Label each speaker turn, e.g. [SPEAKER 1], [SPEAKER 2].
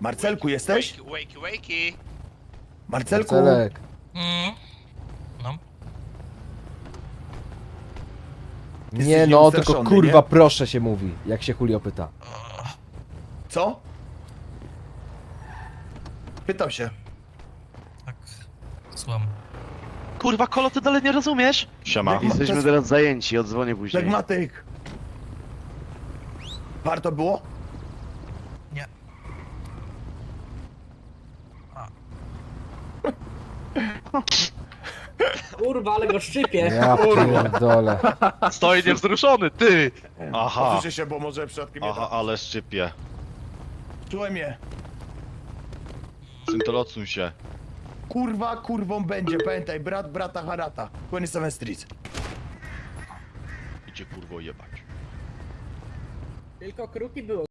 [SPEAKER 1] Marcelku, jesteś?
[SPEAKER 2] Wakey.
[SPEAKER 1] Marcelku!
[SPEAKER 3] Marcelek.
[SPEAKER 4] No.
[SPEAKER 1] Jesteś
[SPEAKER 3] Nie no, tylko
[SPEAKER 1] nieustraszony,
[SPEAKER 3] kurwa
[SPEAKER 1] nie?
[SPEAKER 3] proszę się mówi, jak się Julio pyta.
[SPEAKER 1] Co? Pytał się.
[SPEAKER 4] Tak. Słucham.
[SPEAKER 2] Kurwa, Kolo, ty dalej nie rozumiesz?
[SPEAKER 5] Siema.
[SPEAKER 1] To
[SPEAKER 6] Jesteśmy
[SPEAKER 1] jest
[SPEAKER 6] teraz zajęci, odzwonię później.
[SPEAKER 1] Flegmatyk. Warto było?
[SPEAKER 4] Nie. A.
[SPEAKER 7] Kurwa, ale go szczypie.
[SPEAKER 3] Ja pierdolę.
[SPEAKER 2] Stoi niewzruszony, ty!
[SPEAKER 5] Aha,
[SPEAKER 1] Posłyszę się, bo może przypadkiem nie
[SPEAKER 5] aha, ale szczypie.
[SPEAKER 1] Czułem je.
[SPEAKER 5] Syntol, odsuń się.
[SPEAKER 1] Kurwa, kurwą będzie, pamiętaj, brat brata harata. 27 Street.
[SPEAKER 5] Idzie kurwo jebać.
[SPEAKER 7] Tylko kruki było.